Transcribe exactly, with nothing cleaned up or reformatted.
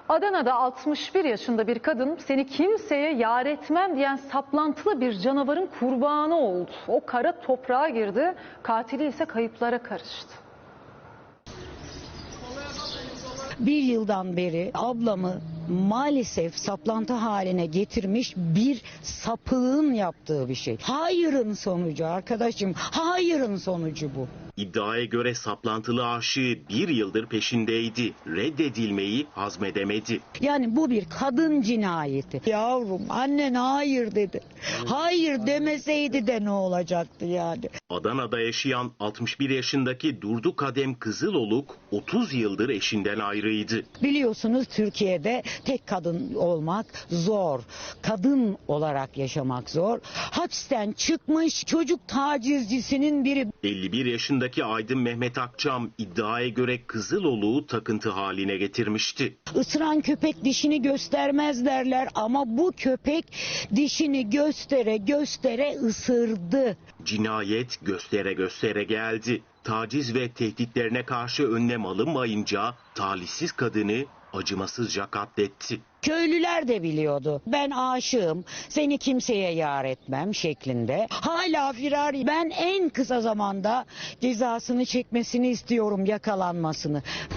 Adana'da altmış bir yaşında bir kadın seni kimseye yar etmem diyen saplantılı bir canavarın kurbanı oldu. O kara toprağa girdi, katili ise kayıplara karıştı. Bir yıldan beri ablamı maalesef saplantı haline getirmiş bir sapığın yaptığı bir şey. Hayırın sonucu arkadaşım, hayırın sonucu bu. İddiaya göre saplantılı aşığı bir yıldır peşindeydi. Reddedilmeyi hazmedemedi. Yani bu bir kadın cinayeti. Yavrum annen hayır dedi. Hayır demeseydi de ne olacaktı yani? Adana'da yaşayan altmış bir yaşındaki Durdu Kadem Kızıloluk otuz yıldır eşinden ayrıydı. Biliyorsunuz Türkiye'de tek kadın olmak zor. Kadın olarak yaşamak zor. Hapisten çıkmış çocuk tacizcisinin biri. elli bir yaşındaki Aydın Mehmet Akçam iddiaya göre Kızıloluk'u takıntı haline getirmişti. Isıran köpek dişini göstermez derler ama bu köpek dişini göstere göstere ısırdı. Cinayet göstere göstere geldi. Taciz ve tehditlerine karşı önlem alınmayınca talihsiz kadını acımasızca katletti. Köylüler de biliyordu. Ben aşığım, seni kimseye yar etmem şeklinde. Hala firar. Ben en kısa zamanda cezasını çekmesini istiyorum, yakalanmasını.